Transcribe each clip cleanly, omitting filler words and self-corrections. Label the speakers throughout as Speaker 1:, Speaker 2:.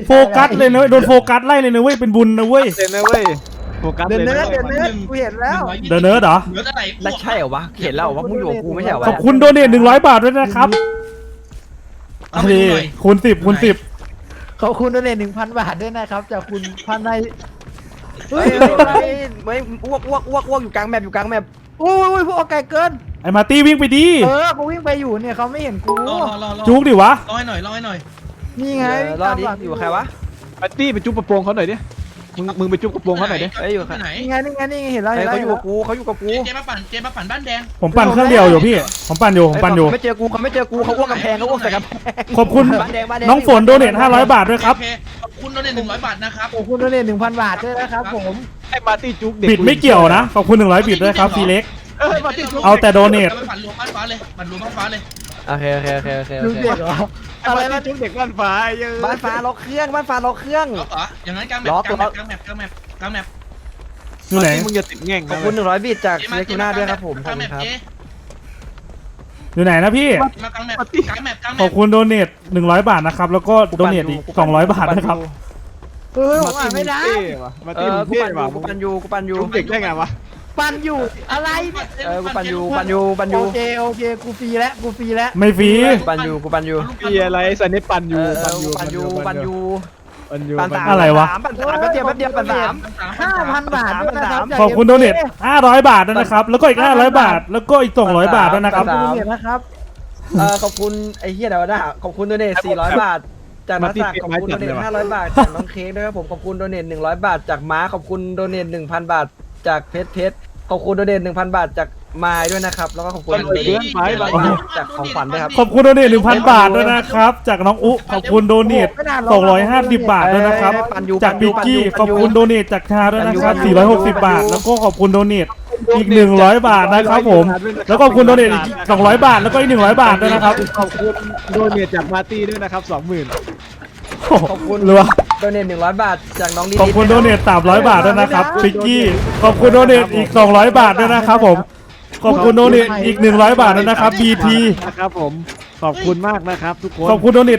Speaker 1: โฟกัสเลยนะโดนโฟกัสไล่เลยนะเว้ยเป็นบุญนะเว้ย
Speaker 2: เด่นนะเว้ยโฟกัส
Speaker 3: เดิน
Speaker 2: เลย
Speaker 3: เนื้อ
Speaker 2: นะ
Speaker 3: เดินเนื้อกูเห็นแล้ว
Speaker 1: เดอะเนิร์ดเหรอ
Speaker 4: เหลือแต่ไหน
Speaker 5: แล้วใช่เหรอวะเห็นแล้วว่ามึงอยู่กับกูไม่ใช่เหรอวะ
Speaker 1: ขอบคุณโดเนท100 บาทด้วยนะครับ
Speaker 4: เอาไปดูหน่อย
Speaker 1: คูณ10คูณ10
Speaker 3: ขอบคุณด้วย1,000 บาทด้วยนะครับจากคุณพันใน
Speaker 5: เฮ้ยไม่อ้วกอยู่กลางแมปอยู่กลางแมป
Speaker 3: โอ้ยพวกไก่เกิน
Speaker 1: ไอ้มาร์ตี้วิ่งไปดิ
Speaker 3: กูวิ่งไปอยู่เนี่ยเขาไม่เห็นกู
Speaker 4: รอ
Speaker 1: จุกดิวะ
Speaker 4: รอให้หน่อยรอให้หน่อย
Speaker 3: นี่ไง
Speaker 5: รอดดิอยู่กับใครวะ
Speaker 2: ปาร์ตี้ไปจุ๊บกระโปรงเขาหน่อยดิมึงไปจุ๊บกระโปรงเขาหน่อยดิ
Speaker 5: เฮ้ยอยู่กับใคร
Speaker 4: ไหน
Speaker 3: นี่ไงเห็นแล้ว
Speaker 5: เฮ้ย
Speaker 3: เห็นแล้ว
Speaker 5: เขาอยู่กับกูเขาอยู่กับกู
Speaker 4: เจมาปั่นบ้านแดง
Speaker 1: ผมปั่นเครื่องเดียวอยู่พี่ผมปั่นอยู่
Speaker 5: ไม่เจอกูเขาไม่เจอกูเขาอ้วกกำแพงเขาอ้วกใส่กำแพง
Speaker 1: ขอบคุณน้องฝนโดเนท500 บาทด้วยครับ
Speaker 4: โอเคขอบคุณโดเนท100 บาทนะครับ
Speaker 3: ขอบคุณด้วย1,000 บาทด้วยนะครับผม
Speaker 2: ไอ้ปาร์ตี้จุ๊บเด็ก
Speaker 1: บิดไม่เกี่ยวนะขอบคุณ100บิดด้วยครับซีเล็ก
Speaker 2: ปาร์ตี้จุ๊บ
Speaker 1: เอาแต่โดเนท
Speaker 4: ปั่นรวมบ้านฟ้าเลยปั่นรวมบ้านฟ้าเลย
Speaker 5: โอเค
Speaker 3: ดูเด็กเหรอ
Speaker 2: อะไรมาจุ๊บเด็กบ้านฟ้าเยอะ
Speaker 5: บ้านฟ้าล็อกเครื่องบ้านฟ้าล็อกเครื่อง
Speaker 4: ล็อกเหรออย่างนั้นกลางแมป
Speaker 1: อยู่ไหน
Speaker 2: มึงอย่าติดแง่ง
Speaker 5: ขอบคุณ100บิตจากเล็กทูน่าด้วยครับผมขอบ
Speaker 4: กลาง
Speaker 5: คุ
Speaker 4: แม
Speaker 5: ณ
Speaker 4: ป
Speaker 5: ครับ
Speaker 1: อยู่ไหนนะพี่
Speaker 4: มากลางแมป
Speaker 1: ขอบคุณโดเนท100 บาทนะครับแล้วก็โดเนทอีก200 บาทนะครับ
Speaker 3: ผมอ่านไม่ได้
Speaker 2: ปาร์
Speaker 5: เอ
Speaker 2: ตี้
Speaker 5: อ
Speaker 2: มึง
Speaker 5: กู
Speaker 2: เท่
Speaker 5: ปั่นอ
Speaker 2: ว่ะ
Speaker 5: ยู่กูปั่นอยู่กูปั่นอยู่
Speaker 2: จุ๊บเด็กได้ไงวะ
Speaker 3: ปันอยู่อะไร
Speaker 5: กูปั่นอยู่
Speaker 3: โอเคกูฟรีแล้ว
Speaker 1: ไม่ฟรี
Speaker 5: ปั่นอยู่กูปั่นอยู่
Speaker 2: มีอะไรสันนิปั่นอยู่
Speaker 5: ปั่นอยู่
Speaker 2: ปั่นอยู่
Speaker 5: ปั่นสาม
Speaker 1: อะไรวะ
Speaker 5: ปั่นสามแป๊บเดียวปั่นสาม
Speaker 3: 5,000 บาทด้วยนะครับ
Speaker 1: ขอบคุณโดเนท500 บาทด้วยนะครับแล้วก็อีก500 บาทแล้วก็อีก200 บาทด้วยนะครับ
Speaker 3: ขอบคุณเนี่ยนะครับ
Speaker 5: ขอบคุณไอ้เหี้ยเดี๋ยวนะขอบคุณโดเนท400 บาทจากนักสักขอบคุณโดเนท500 บาทจากน้องเค้กด้วยครับผมขอบคุณโดเนท100 บาทจากม้าขอบคุณโดเนท1,000 บาทจากเพชรขอบคุณโดเนท1,000 บาทจากมายด้วยนะครับแล้วก็ขอบคุณจากของขวัญด้วยครับ
Speaker 1: ขอบคุณโดเนท1,000 บาทด้วยนะครับจากน้องอุขอบคุณโดเนท250 บาทด้วยนะครับจากปิกกี้ขอบคุณโดเนทจากชาด้วยนะครับ460 บาท แล้วก็ขอบคุณโดเนทอีก100 บาทนะครับผมแล้วก็ขอบคุณโดเนทอีก200 บาทแล้วก็อีก100 บาทด้วยนะครับ
Speaker 2: ขอบคุณโดเนทจากปาร์ตี้ด้วยนะครับ20,000
Speaker 5: ขอบคุณ
Speaker 1: รัว
Speaker 5: โดเนท100 บาทจากน้องดี
Speaker 1: ขอบคุณโดเนท300 บาทด้วยนะครับปิกกี้ขอบคุณโดเนทอีก200 บาทด้วยนะครับผมขอบคุณโดเนทอีก100 บาทด้วยนะครับ BT
Speaker 2: นะครับผมขอบคุณมากนะครับทุกคน
Speaker 1: ขอบคุณโดเนท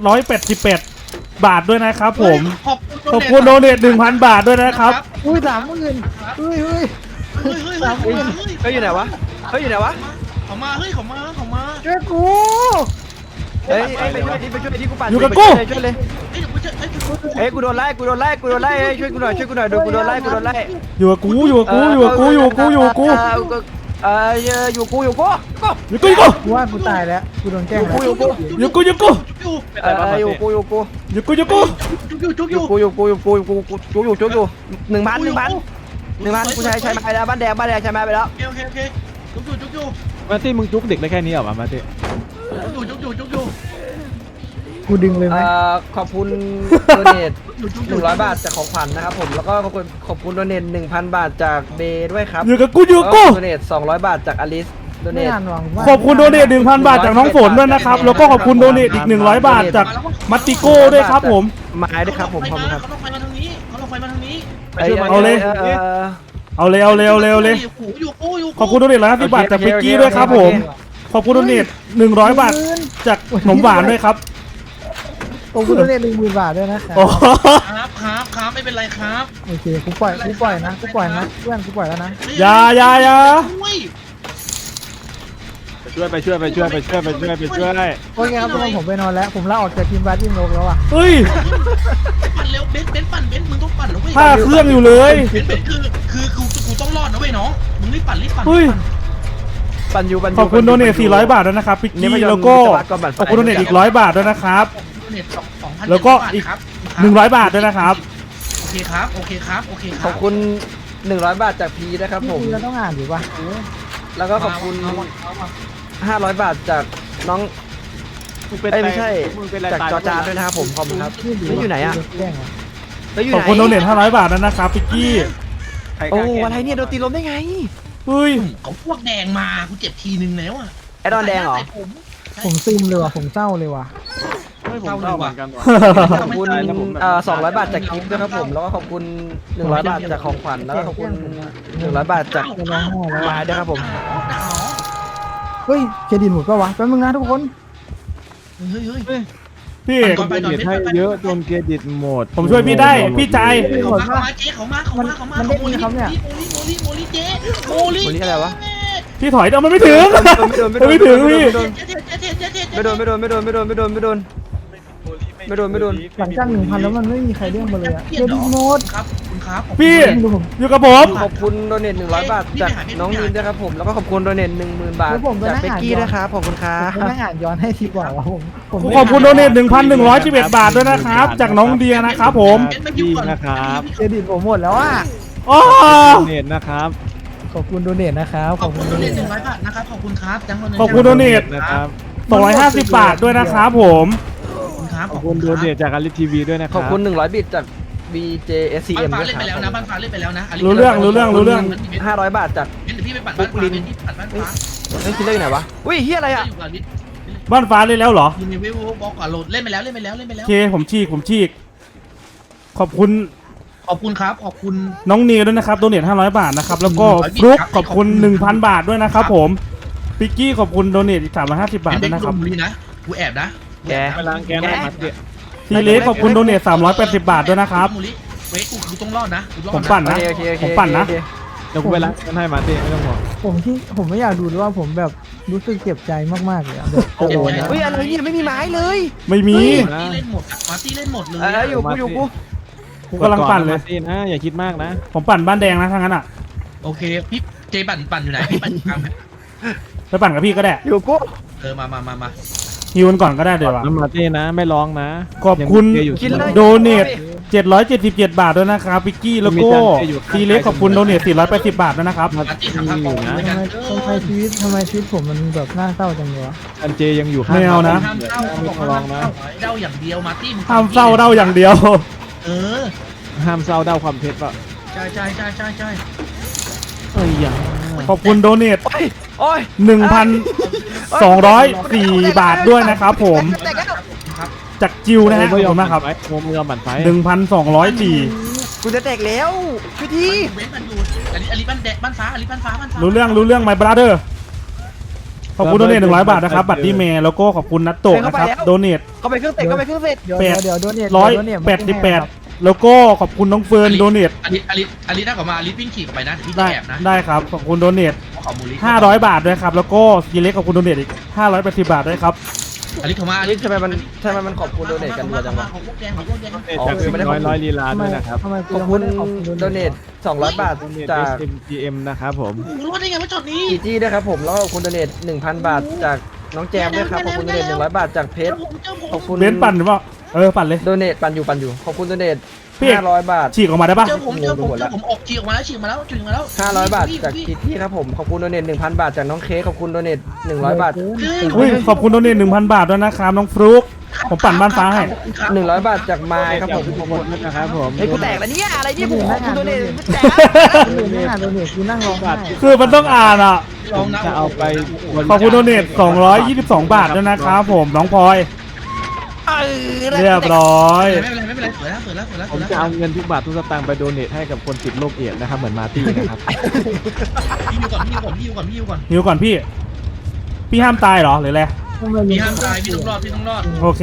Speaker 1: 188 บาทด้วยนะครับผมขอบคุณโดเนท 1,000 บาทด้วยนะครับ
Speaker 3: อุ้ย30,000อุ้ย
Speaker 5: เขาอยู่ไหนวะเขาอยู่ไหนวะ
Speaker 4: เขามา
Speaker 3: ช่วยกู
Speaker 5: เฮ้ยไปช่วยที่กูปั่น
Speaker 1: อยู่กับกู
Speaker 5: ช่วยเลยเฮ้ยกูโดนไล่ช่วยกูหน่อยกูโดนไล่
Speaker 1: อยู่กับกูอยู่กับกูอยู่กับกูอยู่กับกูอยู่กับกู
Speaker 5: อยู่กู
Speaker 1: อยู่กับกู
Speaker 3: กูว่ากูตายแล้วกูโดนแกล้งแล้ว
Speaker 1: อยู่กูอยู่กู
Speaker 5: อยู่กู
Speaker 1: อยู่กูอยู่กู
Speaker 5: 1,000กูใช้มาไปแล้วบ้านแดงใช้มาไปแล้ว
Speaker 4: โอเคจุก
Speaker 2: มาร์ตี้มึงจุ๊บเด็กได้แค่นี้เหรอมาร์ตี้
Speaker 3: กูดึงเลยไหม
Speaker 5: ขอบคุณโดเนท100 บาทจากของขวัญนะครับผมแล้วก็ขอบคุณโดเนท 1,000 บาทจากเบด้วยครับ
Speaker 1: อยู่กับกูอยู่กับกู
Speaker 5: โดเนท200 บาทจากอลิสโดเน
Speaker 3: ไม่
Speaker 5: ท
Speaker 3: อ่านหวังว่า
Speaker 1: ขอบคุณโดเนท 1,000 บาทจากน้องฝนด้วยนะครับแล้วก็ขอบคุณโดเนทอีก100 บาทจากมัตติโก้ด้วยครับผม
Speaker 5: ไม้ด้วยครับผมขอบคุณครับ
Speaker 4: เขาต้องไฟมาทางนี้
Speaker 1: เอาเลยเอาเลยขอบคุณโดเนท150 บาทจากปิกกี้ด้วยครับผมขอบคุณโดเนท100 บาทจากขนมหวานด้วยครับ
Speaker 3: ขอบคุณด้วย10,000 บาทด้วยนะครับ
Speaker 1: โอ้
Speaker 4: ครับไม่เป็นไรครับ
Speaker 3: โอเคกูปล่อยนะเพื่อนกูปล่อยแล้วนะ
Speaker 1: อย่า
Speaker 2: ช่วยไปช่วย
Speaker 3: โอเคครับทุกคนผมไปนอนแล้วผมลาออกจากทีมบาสทีมโลกแล้วอ่ะ
Speaker 1: เฮ้ย
Speaker 4: ปั่นเร็วเบนมึงต้องปั่นนะเว้ย
Speaker 1: ผ้าเครื่องอยู่เลย
Speaker 4: เบนคือกูต้องรอดนะเว้ยน้องมึงรีบปั่น
Speaker 1: เฮ้ย
Speaker 5: ปันยู
Speaker 1: ขอบคุณโดเนท400 บาทด้วยนะครับปิกกี้แล้วก็ขอบคุณโดเนทอีก100 บาทด้วยนะครับ
Speaker 4: เน็ต2,000
Speaker 1: แล้วก็อีก 100 บาทด้วยนะครับ
Speaker 4: โอเคครับ
Speaker 5: ขอบคุณ100 บาทจากพีนะครับผม
Speaker 3: เราต้องอ่านอยู่ป่ะ
Speaker 5: แล้วก็ขอบคุณ500 บาทจากน้องไม่ใช่จากจอจานด้วยนะครับผมขอบคุณครับแล้วอยู่ไหนอ่ะ
Speaker 3: แกล้งเหรอ
Speaker 5: แล้วอยู่
Speaker 1: ข
Speaker 5: ไห
Speaker 1: อน บคุณโดเนท500 บาทด้วยนะครับปิกกี้
Speaker 5: โอ้อะไรเนี่ยโดนตีลมได้ไง
Speaker 1: เฮ้ย
Speaker 4: เขาพวกแดงมากูเจ็บทีนึงแล้วอ่ะ
Speaker 5: ไอดอนแดงเหรอ
Speaker 3: ผมซึมเลยว่ะผมเศร้าเลยว่ะ
Speaker 2: ไม่ผมเล่าเหมือนกันว่ะ
Speaker 5: ขอบคุณ200 บาทจากกิฟต์ด้วยครับผมแล้วก็ขอบคุณ100 บาทจากของขวัญแล้วก็ขอบคุณ100 บาทจาก
Speaker 3: จะร้องไห้แล้ว
Speaker 5: ไม้ด้วยครับผม
Speaker 3: เฮ้ยเครดิตหมดป่ะวะแป๊บนึงนะทุกคน
Speaker 4: เฮ้ย
Speaker 1: พี่เอก
Speaker 2: เครดิตให้เยอะจนเครดิตหมด
Speaker 1: ผมช่วยพี่ได้พี่ใจ
Speaker 4: เขามาเจ๊เขามาโมลิเจ๊โมลิ
Speaker 5: วันนี้อะไรวะ
Speaker 1: พี่ถอยเอามันไม่ถึงไม่ถึงพี่
Speaker 5: ไม่โดน
Speaker 3: หลังจาก1,000แล้วมันไม่มีใครเด้งมาเลยอะเครดิตหมด
Speaker 4: ครับคุณครับ
Speaker 1: พี่อยู่กับผม
Speaker 5: ขอบคุณโดเนท100 บาทจากน้องนินด้วยครับผมแล้วก็ขอบคุณโดเนท10,000 บาทจากเบกกี้นะครับขอบคุณครั
Speaker 3: ผม
Speaker 5: บ
Speaker 3: ไม่อ่านย้อนให้ทีกว่าว่าผม
Speaker 1: ขอบคุณโดเนท 1,111 บาทด้วยนะครับ จากน้องเดียนะครับผม
Speaker 2: ดีนะครับ
Speaker 3: เครดิตผมหมดแล้วอ่ะ
Speaker 1: อ๋อ
Speaker 2: เน็ตนะครับ
Speaker 3: ขอบคุณโดเนทนะครับ
Speaker 4: ขอบคุณโดเนท100 บาทนะครับขอบคุณครับจัง
Speaker 1: ขอบคุณโดเนท
Speaker 2: นะครับ
Speaker 1: 250 บาทด้วยนะครับผม
Speaker 4: ครับ
Speaker 2: ขอบคุณโดเนทจากอาริทีวีด้วยนะครับ
Speaker 5: ขอบคุณ100 บิตจาก BJSCM
Speaker 4: บ้านฟ้า
Speaker 5: ด้วย
Speaker 4: เล่น
Speaker 5: ค
Speaker 4: ไปแล้ว
Speaker 5: รั
Speaker 4: นะ
Speaker 5: บ
Speaker 4: บ้านฟ้าเล่นไปแล้วนะ
Speaker 1: รู้เรื่อง
Speaker 5: 500 บาทจาก
Speaker 4: เดี๋ยวพี่ไปปั่นบ้านฟ้าพี่ปั่นบ้านฟ้า
Speaker 5: เฮ้ยคิดได้ไหนวะอุ้ยเฮียอะไรอ่ะ
Speaker 4: อยู่กับลิศ
Speaker 1: บ้านฟ้าเลยแล้วเหรอ
Speaker 4: อยู่ในเว็บบอกก่อนโหลดเล่นไปแล้ว
Speaker 1: โอเคผมฉีกขอบคุณ
Speaker 4: ขอบคุณครับขอบคุณ
Speaker 1: น้องเนียด้วยนะครับโดเนท500 บาทนะครับแล้วก็ฟลุกขอบคุณ 1,000 บาทด้วยนะครับผมปิกกี้ขอบคุณโดเนทอีก350 บาทด้วยนะครับ
Speaker 4: บุรีนะกูแอบนะ
Speaker 2: ไปล้างแกนได้มาเดี๋ยว
Speaker 1: ทีเล็กขอบคุณโดเนท380 บาทด้วยนะครับ
Speaker 4: มูลิเวทกูต้องรอดนะ
Speaker 1: ผมปั่นนะ
Speaker 5: โอเค
Speaker 1: ผมปั่นนะ
Speaker 2: เดี๋ยวกูไปล้างแกนให้มาเต้ไม่ต้องห่วง
Speaker 3: ผมไม่อยากดูด้วยว่าผมแบบรู้สึกเจ็บใจมากๆเลยอะแบบ
Speaker 2: โอ้โหนะ
Speaker 5: เฮ้ยอะไรเนี่ยไม่มีไม้เลย
Speaker 1: ไม่มี
Speaker 4: ที่เล่นหมดมาร์ตี้เล่นหมดเลย
Speaker 5: อยู่กู
Speaker 1: กูกำลังปั่นเลย
Speaker 2: มาต้นะอย่าคิดมากนะ
Speaker 1: ผมปั่นบ้านแดงนะทั้งนั้นอ่ะ
Speaker 4: โอเคพี่เจปั่นอยู่ไหนพี่ปั่นกลาง
Speaker 1: ไปปั่นกับพี่ก็ได้
Speaker 5: อยู่กู
Speaker 4: มา
Speaker 1: ฮิวกันก่อนก็ได้เดี๋ยว
Speaker 2: น้ำมาเต้นะไม่ร้องนะ
Speaker 1: ขอบคุณ
Speaker 2: ยังมีเกย์อยู่
Speaker 5: กินเลย
Speaker 1: โดเนท777 บาทด้วยนะครับปิกกี้แล้วก็ทีเล็กขอบคุณโดเนท480 บาทด้วยนะครับ
Speaker 4: มาร์ตี้ทำภาพกองด้วยกัน
Speaker 3: ทำไมชีวิตผมมันแบบน่าเศร้าจังเลยวะ
Speaker 2: อันเจยังอยู่ข้าง
Speaker 1: ไม่เอานะ
Speaker 4: ห้ามเศร้าเขาบอกว่าห้ามเศร้าเดาอย่างเดียวมาร์ตี้
Speaker 1: ห้ามเศร้าเด้าอย่างเดียว
Speaker 4: เออ
Speaker 2: ห้ามเศร้าเด้าความเท็จป่ะ
Speaker 4: ใช่
Speaker 2: เอ้ยยัง
Speaker 1: ขอบคุณโดเนท
Speaker 5: โอ้ย
Speaker 1: 1,204 บาทด้วยนะครับผม
Speaker 4: ครับ
Speaker 1: จากจิวนะฮะขอบคุณมากครับ
Speaker 2: โมมือหมั่นไฟ
Speaker 1: 1,204
Speaker 5: กูจะแตกแล้วพี่ที
Speaker 4: เว้นมันอยู่อลิบ้านแดกบ้านฟ้าอลิบ้านฟ้า
Speaker 1: รู้เรื่อง my brother ขอบคุณโดเนท100 บาทนะครับ บัตรดีเมย์แล้วก็ขอบคุณนัตโตะนะครับโดเนท
Speaker 5: เข้าไปเครื่องเตะเข้าไปเครื่องเตะ
Speaker 3: เดี๋ยวโดเนท
Speaker 1: 188แล้วก็ขอบคุณน้องเฟิร์นโดเนท
Speaker 4: อลิถ้ากลับมาอลิวิ่งขี่กลับไปนะพี่
Speaker 1: ได้
Speaker 4: แอบนะ
Speaker 1: ได้ครับขอบคุณโดเนท
Speaker 4: ขอมูลิ
Speaker 1: 500 บาทด้วยครับแล้วก็ทีเล็กขอบคุณโดเนทอีก580 บาทด้วยครับ
Speaker 4: อลิโทรมา
Speaker 5: ทำไมมันขอบคุณโดเนทกันเยอะจังวะ
Speaker 4: ของพวกแดง
Speaker 2: จากสิ่งร้อยลีลาด้วยนะครับ
Speaker 3: ทำไม
Speaker 5: ขอบคุณโดเนท200 บาทจาก
Speaker 2: SMGM นะครับผม
Speaker 4: รู้ได้ไงว่าช็อตนี้
Speaker 5: จีจี้ด้วยครับผมแล้วก็ขอบคุณโดเนท 1,000 บาทจากน้องแจมด้วยครับขอบคุณโดเนท100 บาทจากเพชรขอบคุณ
Speaker 1: เบนซ์ปั่นหรือเปล่าปั่นเลย
Speaker 5: โดเนทปั่นอยู่ขอบคุณโดเนท
Speaker 1: พี่เอก
Speaker 5: 500 บาท
Speaker 1: ฉีกออกมาได้ปะ
Speaker 4: เจอผมออกฉีกออกมาแล้วฉีกมาแล้ว
Speaker 5: 500 บาทจากจีจี้ครับผมขอบคุณโดเนท 1,000 บาทจากน้องเค้กขอบคุณโดเนท100 บาท
Speaker 1: อุ้ยขอบคุณโดเนท 1,000 บาทด้วยนะครับน้องฟลุกผมปั่นบ้านฟ้าให้
Speaker 5: 100 บาทจากไม้ครับผม
Speaker 2: ขอบคุณนะครับผม
Speaker 5: เฮ้ยกูแตกแล้วเนี่ยอะไรเนี่ยผมขอบคุณโดเนทแตก
Speaker 3: ไม่อ่านโดเนทกูนั่งร้องไห้
Speaker 1: คือมันต้องอ่านอ่ะ
Speaker 2: ผมจะเอาไป
Speaker 1: ขอบคุณโดเนท222 บาทด้วยนะครับผมน้องพลอยเรียบร้อย
Speaker 4: ไม่เป็นไรสวยแล้ว
Speaker 2: ผมจะเอาเงินทุกบาททุกสตางค์ไปโดเนทให้กับคนติดโรคเอดส์นะครับเหมือนมาร์ตี้นะครับ
Speaker 4: พี่อยู่ก่อน
Speaker 1: หิวก่อนพี่ห้ามตายเหรอหรืออะไร
Speaker 4: พี่ห้ามตายพี่ต้องรอด
Speaker 1: โอเค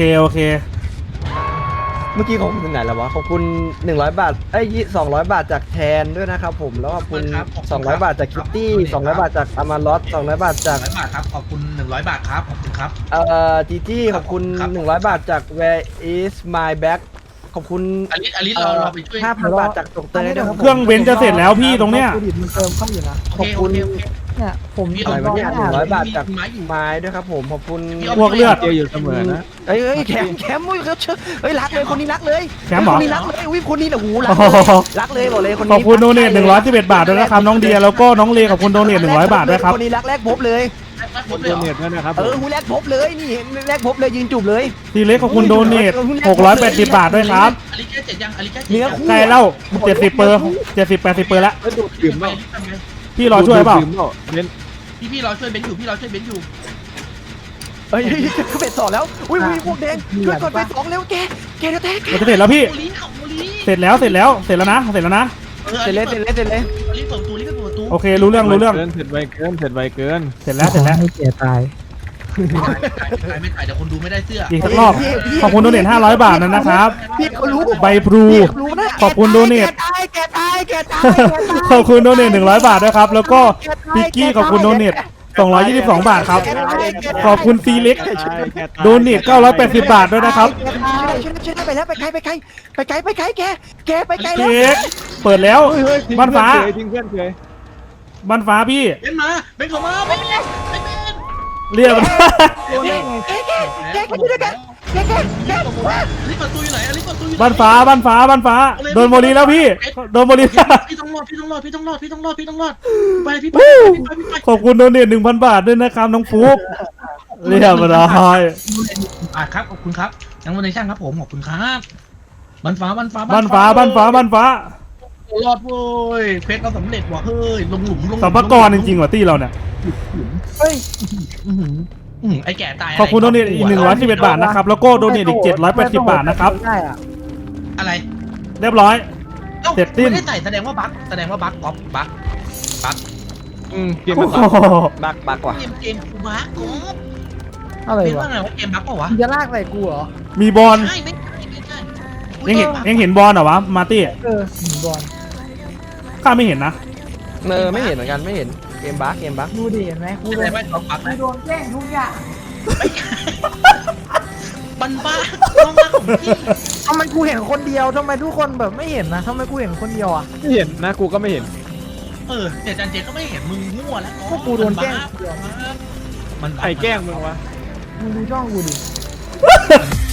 Speaker 5: เมื่อกี้ของคุณถึงไหนแล้ววะขอบคุณ100 บาท200 บาทจากแทนด้วยนะครับผมแล้วขอบคุณ200 บาทจากคิตตี้200 บาทจากอามาลอส200 บาทจาก
Speaker 4: 100 บาทครับขอบคุณ100 บาทครับขอบคุณครับ
Speaker 5: จีจี้ขอบคุณ100 บาทจาก Where is my bag ขอบคุณ
Speaker 4: อลิเราไปช่วย
Speaker 5: 5,000 บาทจากตกเตยด้วยครับ
Speaker 1: เครื่องเว้นจะเสร็จแล้วพี่ตรงเนี้ย
Speaker 3: เครดิตมันเติมเข้าอยู่นะ
Speaker 4: โอเค
Speaker 3: เนี่ยผม
Speaker 5: อะไรวะเนี่ย
Speaker 3: ร้องไห้
Speaker 5: 100 บาทจากไม้ด้วยครับผมขอบคุณ
Speaker 1: พวกเลือด
Speaker 2: เจออยู่เสมอนะ
Speaker 5: เฮ้ยแคมอุ้ยเขาเชื่อเฮ้ยรักเลยคนนี้รักเลย
Speaker 1: แคมป์เหรอ
Speaker 5: คนนี้รักเลยอุ้ยคนนี้แหละหูรัก
Speaker 1: โอ้
Speaker 5: เลย
Speaker 1: โห
Speaker 5: รักเลยบอกเลยคนนี้
Speaker 1: ขอบคุณโดเนท111 บาทด้วยนะครับน้องเดียแล้วก็น้องเลขอบคุณโดเนท100 บาทด้วยครับ
Speaker 5: คนนี้รักแรกพบเลย
Speaker 2: โดเนทด้วยนะครับ
Speaker 5: หูแรกพบเลยนี่แรกพบเลยยืนจูบเลย
Speaker 1: ทีเล็กขอบคุณโดเนท680 บาทด้วยครับ
Speaker 4: อลิแค่เจ็ดยังอลิแค่
Speaker 5: เนื้อคู่
Speaker 1: ใกล้แล้ว70 เปอร์70-80 เปอร์แล้ว
Speaker 2: แล้วดูดดื่มเปล่า
Speaker 1: พี่รอช่วยเปล่า
Speaker 2: ดื่มเบน
Speaker 4: พี่รอช่วยเบนอยู่พี่รอช่วยเบนอยู่
Speaker 5: เฮ้ยคือเป็ดสองแล้วอุ้ยพวกแดงช่วยกดเป็ดสองเร็วแกเดี๋ยวแตก
Speaker 1: มันจะเสร็จแล้วพี่
Speaker 4: โมลีของโมลี
Speaker 1: เสร็จแล้วนะ
Speaker 5: เสร็จเลย
Speaker 4: อลิเปิดประตู
Speaker 1: โอเครู้เรื่อง
Speaker 2: เสร็จไวเกิน
Speaker 1: เสร็จแล้ว
Speaker 3: ให้เกียรตาย
Speaker 4: ไม่ถ่ายเดี๋ยวคนดูไม่ได้เสื้อ
Speaker 1: อีกสักรอบขอบคุณโดเนท500 บาทนะครับ
Speaker 3: พี่เขารู้
Speaker 1: ใบพลู
Speaker 3: รู้นะ
Speaker 1: ขอบคุณโดเนท
Speaker 3: แกตาย
Speaker 1: ขอบคุณโดเนท100 บาทด้วยครับแล้วก็พิกกี้ขอบคุณโดเนท222 บาทครับขอบคุณซีเล็กโดเนท980 บาทด้วยนะครับ
Speaker 3: ช่วยไปแล้วไปไกลแกไปไกลแล้ว
Speaker 1: เค้กเปิดแล้วบ้านฟ้า
Speaker 2: ทิ้งเพื่อนเฉย
Speaker 1: บ้านฟ้าพี่
Speaker 4: เป็นมาเป็นเขามาเป็นไงเป็น
Speaker 1: เรียบ
Speaker 3: แกอยู่ด้วยกันแก
Speaker 4: ลิฟต์ประตูอยู่ไหนลิฟต์ประตูอยู่
Speaker 1: บ้านฟ้าโดนโมลีแล้วพี่โดนโมลี
Speaker 4: พี่ต้องรอดไปพี่ไป
Speaker 1: ขอบคุณโดเนท 1,000 บาทด้วยนะครับน้องฟุ๊กเรียบร้อย
Speaker 4: ครับขอบคุณครับยังวันในช่างครับผมขอบคุณครับบ้านฟ้า
Speaker 1: บ้านฟ้าร
Speaker 4: อดเว้ยเพชรเราสำเร็จว่ะเฮ้ยลงหลุม
Speaker 1: สัมภากรจริงๆว่ะตี้เราเนี่ย
Speaker 3: เฮ้ย
Speaker 4: ไอ้แก่ตาย
Speaker 1: ขอบคุณโดเนทอีก111 บาทนะครับแล้วก็โดเนทอีก780 บาทนะครับ
Speaker 3: ได้อะ
Speaker 4: อะไร
Speaker 1: เรียบร้อย เสร็จสิ้น
Speaker 4: ไม่ได้ใส่แสดงว่าบั๊กก๊อปบั๊ก
Speaker 2: เกม
Speaker 1: โอ้
Speaker 2: มัน
Speaker 1: โห
Speaker 5: บักว่ะ
Speaker 4: เกมกูบั๊กก๊อป
Speaker 3: อะไร
Speaker 4: เป็น
Speaker 3: วะ
Speaker 4: ว่าไงว่าเกมบั๊กเปล่าวะ
Speaker 3: มึงจะลากใส่กูเหรอ
Speaker 1: มีบอล
Speaker 4: ใช่ไม่ใช่
Speaker 1: ยังเห็นบอลเหรอวะมาร์ตี้
Speaker 3: บอล
Speaker 1: ข้าไม่เห็นนะ
Speaker 5: ไม่เห็นเหมือนกันไม่เห็นเกมบัก
Speaker 3: ดูดิเห็นไหมกู
Speaker 4: แส
Speaker 3: โด
Speaker 4: ด
Speaker 3: น
Speaker 4: งว่าก๊อปบั๊ก
Speaker 3: กูโดนแกล้งทุกอย่าง
Speaker 4: มันบ้าน้องบ้าของพี่
Speaker 3: ทำไมกูเห็นคนเดียวทำไมทุกคนแบบไม่เห็นนะทำไมกูเห็นคนเดียวอ่ะ
Speaker 2: ไม่เห็นนะกูก็ไม่เห็น
Speaker 4: เจจันเจก็ไม่เห็นมึงมั่วแล้ว
Speaker 3: พวกกูโดนแกล้ง
Speaker 4: มัน
Speaker 2: ใครแกล้งมึงวะ
Speaker 3: มึงดูช่องกูดิ